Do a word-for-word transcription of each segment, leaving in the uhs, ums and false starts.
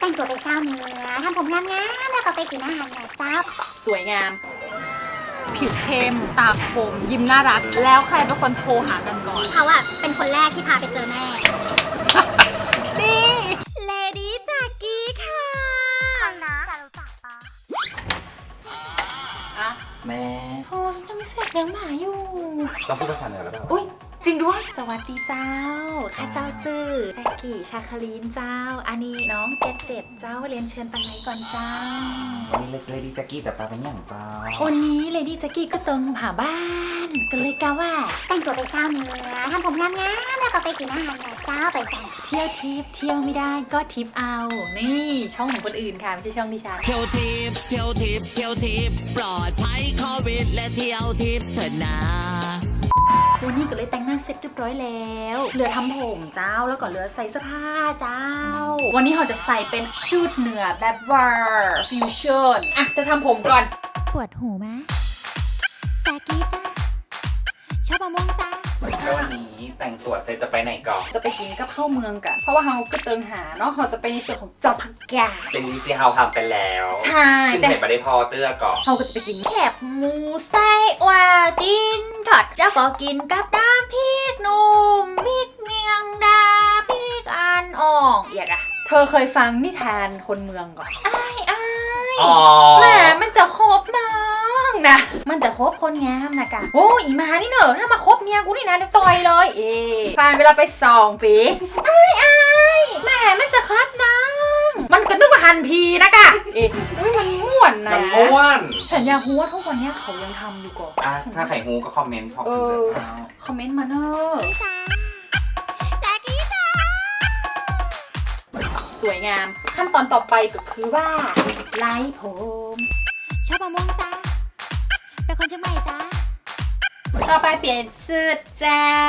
แต่งตัวไปเศร้าเนื้อทำผมงามๆแล้วก็ไปกินอาหารแบบเจ้าสวยงามผิวเข้มตาคมยิ้มน่ารักแล้วใครเป็นคนโทรหากันก่อนเขาอะเป็นคนแรกที่พาไปเจอแม่นี่เลดี้จากกี้ค่ะนะจะรู้จักปะอะแม่โทรฉันยังไม่เสร็จเลี้ยงหมาอยู่ต้องพูดภาษาเหนือแล้วเปล่าอุ้ยจริงด้วยสวัสดีเจ้าข้าเจ้าจื้อแจ็คกี้ชาคลีนเจ้าอันนี้น้องเกดเจ็ดเจ้าเรียนเชิญตังไหนก่อนเจ้าวันนี้เลดี้แจ็คกี้จะพาไปย่างเปล่าวันนี้เลดี้แจ็คกี้ก็เติงหาบ้านก็เลยกะว่าแต่งตัวไปเศร้าเนื้อทำผมงามๆแล้วก็ไปกินอาหารแบบเจ้าไปกันเที่ยวทิปเที่ยวไม่ได้ก็ทิปเอานี่ช่องของคนอื่นค่ะไม่ใช่ช่องดิฉันเที่ยวทิปเที่ยวทิปเที่ยวทิปปลอดภัยโควิดและเที่ยวทิปเถิดนะวันนี้ก็เลยแต่งหน้าเสร็จเรียบร้อยแล้วเหลือทำผมเจ้าแล้วก็เหลือใส่เสื้อผ้าเจ้าวันนี้เราจะใส่เป็นชุดเหนือแบบวาร์ฟิวชั่นอ่ะจะทำผมก่อนปวดหูไหมแจ็คกี้จ้าชอบมะม่วงจ้าแล้ววันนี้แต่งตัวเสร็จจะไปไหนก่อนจะไปกินกับข้าวเมืองกันเพราะว่าเราก็เติงหาเนาะเราจะไปในส่วนของเจ้าผักกาดเป็นวิธีเฮาทำไปแล้วใช่ซึ่งเห็นมาได้พอเตื้อก่อนเราก็จะไปกินแคบหมูไส้วาจินทอดแล้วก็กินกับน้ำพริกหนุ่มพริกเมียงดาพริกอันอ่องอย่าดะเธอเคยฟังนิทานคนเมืองก่อนอ้ายอ้ายแหมมันจะครบน้องนะมันจะครบคนงามนะกะโอ้อีมานี่เนอะถ้ามาคบเมียกูนี่นะจะต่อยเลยเอ๊ผ่านเวลาไปสองปีอ้ายอ้ายแหมมันจะครบน้องมันก็นึกว่าฮันพีนะกะเอ๊ะมันม่วนนะมันม่วนฉันอยากรู้ว่าทุกวันนี้เขายังทำอยู่ก่อนอ่ะถ้าใครฮูก็คอมเมนต์พอเออคอมเมนต์มาเนอะแจ็คกี้จ้าสวยงามขั้นตอนต่อไปก็คือว่าไล่ผมชอบมะม่วงจ้าเป็นคนเชียงใหม่จ้าต่อไปเปลี่ยนเสื้อเจ้า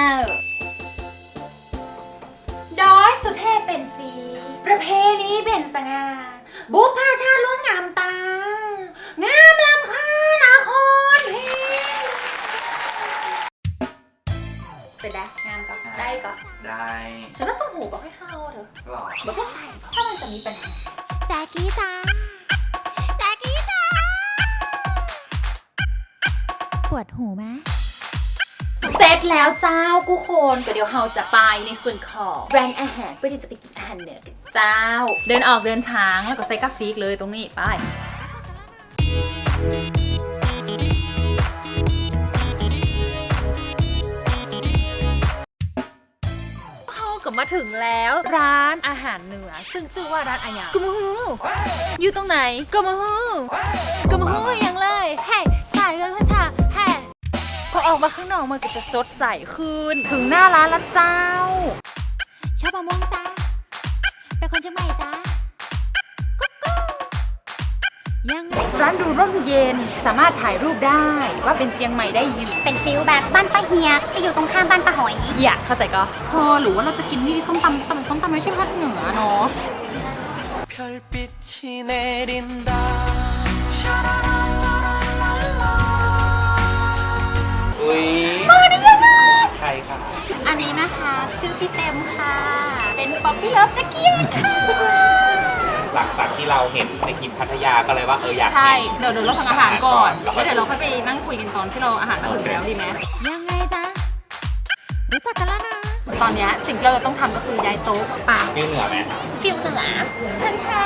ดอยสุเทพเป็นสีประเพณีเป็นสง่าบุพชาติล้วนงามตางามลำคานาครเพเป็นได้งามก็ได้ก็ได้ฉันว่าต้องหูบอกให้เข้าเถอะหรอบอกให้ใส่ถ้ามันจะมีปัญหาแจ็คกี้จ้าแจ็คกี้จ้าปวดหูไหมเสร็จแล้วเจ้ากูคนก็เดี๋ยวเราจะไปในส่วนของแบรนด์อาหารเพื่อที่จะไปกินอาหารเหนือกันเจ้าเดินออกเดินช้างแล้วก็ใส่กาฟิกเลยตรงนี้ไปเขาก็มาถึงแล้วร้านอาหารเหนือซึ่งชื่อว่าร้านอาหารกมฮูอยู่ตรงไหนกมฮูกมฮูอย่างเลยเฮ้สายเลยค่ะชาเฮ้พอออกมาข้างนอกมันก็จะสดใสขึ้นถึงหน้าร้านละเจ้าชอบมะม่วงจ้าเป็นคนเชียงใหม่จ้ายังร้านดูร่มเย็นสามารถถ่ายรูปได้ว่าเป็นเจียงใหม่ได้อยู่เป็นฟิลแบบบ้านป้าเฮียที่อยู่ตรงข้ามบ้านป้าหอยอยากเข้าใจก็พอหรือว่าเราจะกินที่ส้มตำแต่ส้มตำไม่ใช่ภาคเหนือเนาะอุ้ยมาได้ยังไงใครค่ะอันนี้นะคะชื่อพี่เต็มค่ะเป็นป๊อปปี้เลิฟแจ็คกี้ค่ะหลังจากที่เราเห็นในคลิปพัทยาก็เลยว่าเอออยากใช่เดี๋ยวเดี๋ยวเราสั่งอาหารก่อนแล้วเดี๋ยวเราค่อยไปนั่งคุยกันตอนที่เราอาหารมาถึงแล้วดีไหมยังไงจ๊ะรู้จักกันแล้วนะตอนนี้สิ่งที่เราต้องทำก็คือย้ายโต๊ะป่าฟิวเหนือไหมฟิวเหนือเชิญค่ะ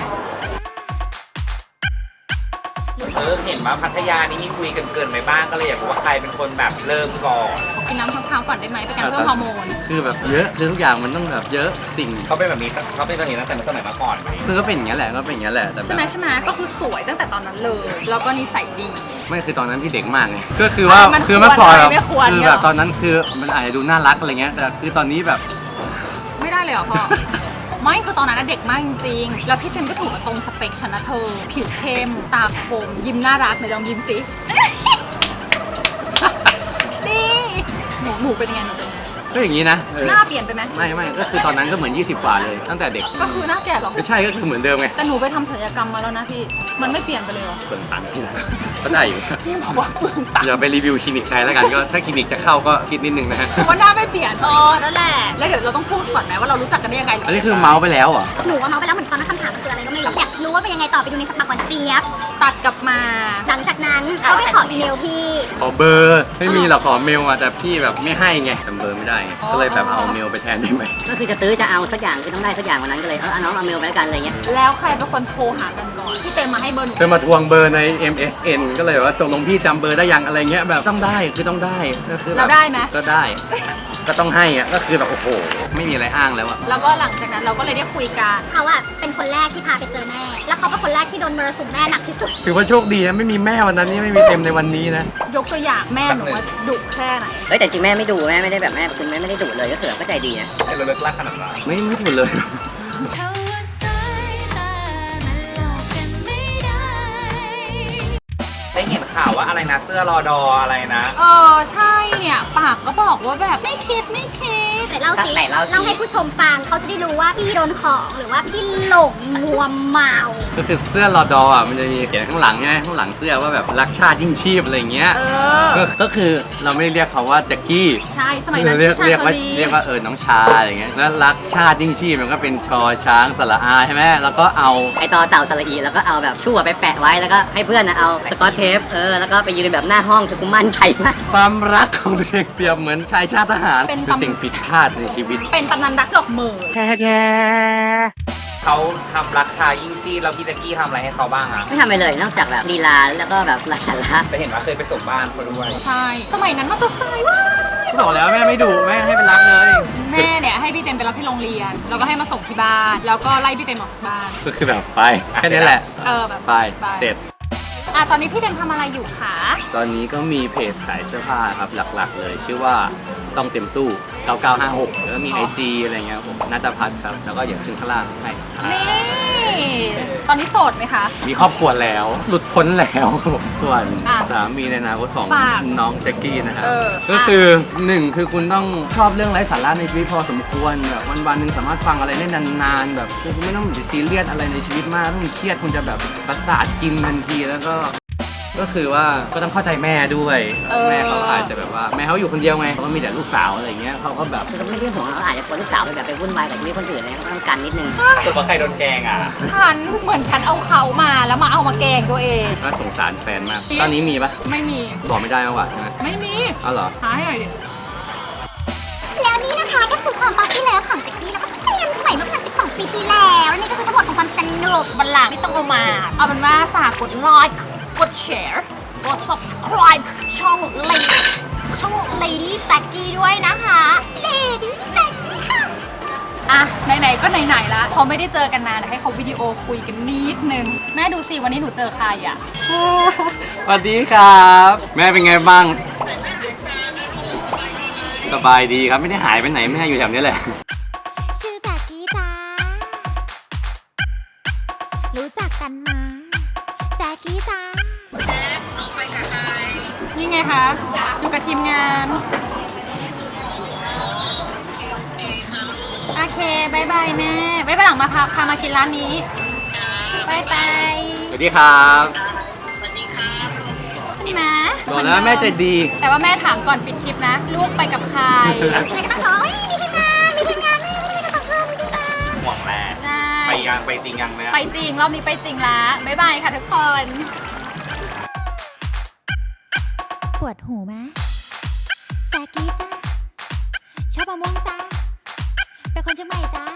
เออเห็นว่าพัทยานี่มีคุยกันเกินไปบ้างก็เลยอยากรู้ว่าใครเป็นคนแบบเริ่มก่อนกินน้ำมะพร้าวก่อนได้ไหมเป็นการเพิ่มฮอร์โมนคือแบบเยอะคือทุกอย่างมันต้องแบบเยอะสิ่งเขาเป็นแบบนี้เขาเป็นแบบนี้ตั้งแต่สมัยมาก่อนคือก็เป็นอย่างนี้แหละก็เป็นอย่างนี้แหละแต่ใช่ไหมใช่ไหมก็คือสวยตั้งแต่ตอนนั้นเลยแล้วก็นิสัยดีไม่คือตอนนั้นพี่เด็กมากไงก็คือว่าคือเมื่อก่อนแบบคือแบบตอนนั้นคือมันอาจจะดูน่ารักอะไรเงี้ยแต่คือตอนนี้แบบไม่ได้เลยเหรอพ่อไม่คือตอนนั้นเด็กมากจริงๆแล้วพี่เต็มก็ถูกกับตรงสเปคฉันนะเธอผิวเข้มตาคมยิ้มน่ารักไหนลองยิ้มสินี่หนูหนูเป็นยังไงหนูเป็นยังไงก็อย่างนี้นะเออหน้าเปลี่ยนไปไหมไม่ไม่ก็คือตอนนั้นก็เหมือนยี่สิบกว่าเลยตั้งแต่เด็กก็คือหน้าแก่หรอไม่ใช่ก็คือเหมือนเดิมไงแต่หนูไปทำศัลยกรรมมาแล้วนะพี่มันไม่เปลี่ยนไปเลยหรอเปลืองตังค์ที่ไหนก็ได้อยู่พี่บอกว่าเปลืองตังค์อย่าไปรีวิวคลินิกใครแล้วกันก็ถ้าคลินิกจะเข้าก็คิดนิดนึงนะฮะเพราะว่าหน้าไม่เปลี่ยนเออนั่นแหละแล้วเดี๋ยวเราต้องพูดก่อนไหมว่าเรารู้จักกันได้ยังไงอันนี้คือเมาส์ไปแล้วเหรอหนูว่าเมาไปแล้วเหมือนตอนนั้นคำถามมันคืออะไรก็ไม่รู้ อยากรู้ว่าเป็นยังไงต่อไปดูในสปักก่อนเจี๊ยบตัดกลับมาหลังจากนั้นเขาไปขออีเมลพี่ขอเบอร์ไม่มีหรอกขอเมลอะแต่พี่แบบไม่ให้ไงจำเบอร์ไม่ได้ไงก็เลยแบบเอาเมลไปแทนได้ไหมก็คือจะตื้อจะเอาสักอย่างคือต้องได้สักอย่างวันนั้นก็เลยเออเอาน้องเอาเมลไปแล้วกันอะไรเงี้ยแล้วใครเป็นคนโทรหากันก่อนพี่เต็มมาให้เบอร์หนูเธอมาทวงเบอร์ใน เอ็ม เอส เอ็น ก็เลยว่าตกลงพี่จำเบอร์ได้ยังอะไรเงี้ยแบบต้องได้คือต้องได้ก็คือแบบเราได้ไหมก็ได้ ก็ต้องให้อะก็คือแบบโอ้โหไม่มีอะไรอ้างแล้วอะแล้วก็หลังจากนั้นเราก็เลยได้คุยกันเขาอะเป็นคนแรกที่พาไปเจอแม่ แล้วเขาเป็นคนแรกที่โดนมรสุมแม่หนักที่สุดถือว่าโชคดีนะไม่มีแม่วันนั้นนี่ไม่มีเต็มในวันนี้นะยกตัวอย่างแม่หนูว่าดุแค่ไหนเฮ้ยแต่จริงแม่ไม่ดูแม่ไม่ได้แบบแม่คุณแม่ไม่ได้ดุเลยก็คือแบบก็ใจดีนะให้เราเลิกลากขนาดนั้นไม่ไม่ถูกเลยได้เห็นข่าวว่าอะไรนะเสื้อรอดออะไรนะเออใช่เนี่ยปากก็บอกว่าแบบไม่คิดไม่คิดแต่เล่าสิไหนเล่าสิเล่าให้ผู้ชมฟังเขาจะได้รู้ว่าพี่โดนของหรือว่าพี่หลงมัวเมาก็คือเสื้อรอดออ่ะมันจะมีเขียนข้างหลังใช่ไหมข้างหลังเสื้อว่าแบบรักชาติยิ่งชีพอะไรเงี้ยเออก็ก็คือเราไม่ได้เรียกเขาว่าแจ็คกี้ใช่สมัยนั้นเรียชื่กอชาเรียกว่าลีเรียกว่าเออน้องชาอะไรเงี้ยแล้วรักชาติยิ่งชีพมันก็เป็นชอช้างสระอาใช่ไหมแล้วก็เอาไอตอเต่าสระอีแล้วก็เอาแบบชั่วไปแปะไว้แล้วก็ให้เพื่อนนะเอาสกอตเทปเออแล้วก็ไปยืนแบบหน้าห้องคือกูมั่นใจมากความรักของเด็กเปรียบเหมือนชายชาติทหารเป็นคือตำสิ่งผิดพลาดในชีวิตเป็นตำนานรักดอกเหมยเขาทำรักชายิ่งชีพแล้วพี่แจ็คกี้ทำอะไรให้เขาบ้างอะไม่ทำอะไรเลยนอกจากแบบลีลาแล้วก็แบบไร้สาระแต่เห็นว่าเคยไปส่งบ้านเขาด้วยใช่ สมัยนั้นมอเตอร์ไซค์ว่าบอกแล้วแม่ไม่ดุแม่ให้ไปรับเลยแม่เนี่ยให้พี่เต็มไปรับที่โรงเรียน แล้วก็ให้มาส่งที่บ้าน แล้วก็ไล่พี่เต็มออกจากบ้านก็คือแบบไปแค่นี้แหละเออแบบไปเสร็จอ่ะตอนนี้พี่เต็มทำอะไรอยู่คะตอนนี้ก็มีเพจขายเสื้อผ้าครับหลักๆ เลยชื่อว่าต้องเต็มตู้เก้าเก้าห้าหกแล้วก็มี ไอ จี อะไรเงี้ยผมนัทพัฒน์ครับแล้วก็อย่างขึ้นข้างล่างให้นี่ ตอนนี้โสดไหมคะมีครอบครัวแล้ว หลุดพ้นแล้วครับผมส่วนอ่ะสามีในอนาคตของฝากน้องแจ็คกี้นะครับเออก็คือหนึ่งคือคุณต้องชอบเรื่องไร้สาระในชีวิตพอสมควรแบบวันๆหนึ่งสามารถฟังอะไรได้นานๆแบบคือคุณไม่ต้องไปซีเรียสอะไรในชีวิตมากถ้าคุณเครียดคุณจะแบบประสาทกินทันทีแล้วก็ ก็คือว่าก็ต้องเข้าใจแม่ด้วยเออแม่เขาอาจจะแบบว่าแม่เขาอยู่คนเดียวไงเขาก็มีแต่ลูกสาวอะไรเงี้ยเขาก็แบบคือก็ไม่ได้ห่วงเราอาจจะคนลูกสาวไปแบบไปวุ่นวายกับชีวิตคนอื่นเนี่ยก็ต้องกันนิดนึงส่วนว่าใครโดนแกล้งอะฉันเหมือนฉันเอาเขามาแล้วมาเอามาแกล้งตัวเองก็สงสารแฟนมากตอนนี้มีปะไม่มีบอกไม่ได้มากกว่าใช่ไหมไม่มีอ๋อเหรอหาให้หน่อยดิแล้วนี่นะคะก็คือความป๊อปที่แล้วของแจ็คกี้แล้วก็เปลี่ยนสมัยเมื่อประมาณสิบสองปีที่แล้วและนี่ก็คือทั้งหมดของความสนุกวันหลังไม่ต้องเอามา เอาเป็นว่าฝากกดไลค์ กดแชร์ กด subscribe ช่อง Lady ช่อง Lady Jackie ด้วยนะคะ Lady Jackie ค่ะอ่ะ ไหนๆ ก็ไหนๆละเขาไม่ได้เจอกันนานเดี๋ยวให้เขาวิดีโอคุยกันนิดนึง แม่ดูสิ วันนี้หนูเจอใครอ่ะสวัสดีครับ แม่เป็นไงบ้าง สบายดีครับไม่ได้หายไปไหนแม่อยู่แถวนี้แหละชื่อแจ็คกี้จ้ารู้จักกันมาแจ็คกี้จ้านี่ไงคะอยู่กับทีมงาน โอเคบายบายแม่ไว้วันหลังมาพาพามากินร้านนี้บายบายสวัสดีครับนี่นะบอกแล้วแม่ใจดีแต่ว่าแม่ถามก่อนปิดคลิปนะ ลูกไปกับใครเลยก็ต้องชมเฮ้ยมีทีมงานมีทีมงานนี่มีทีมงานของเพื่อนมีทีมงานห่วงแม่ใช่ไปยังไปจริงยังเนี่ยไปจริง รอบนี้ไปจริงละบายบายค่ะทุกคนปวดหูไหมแจ็คกี้จ้าชอบมะม่วงจ้าเป็นคนเชียงใหม่จ้า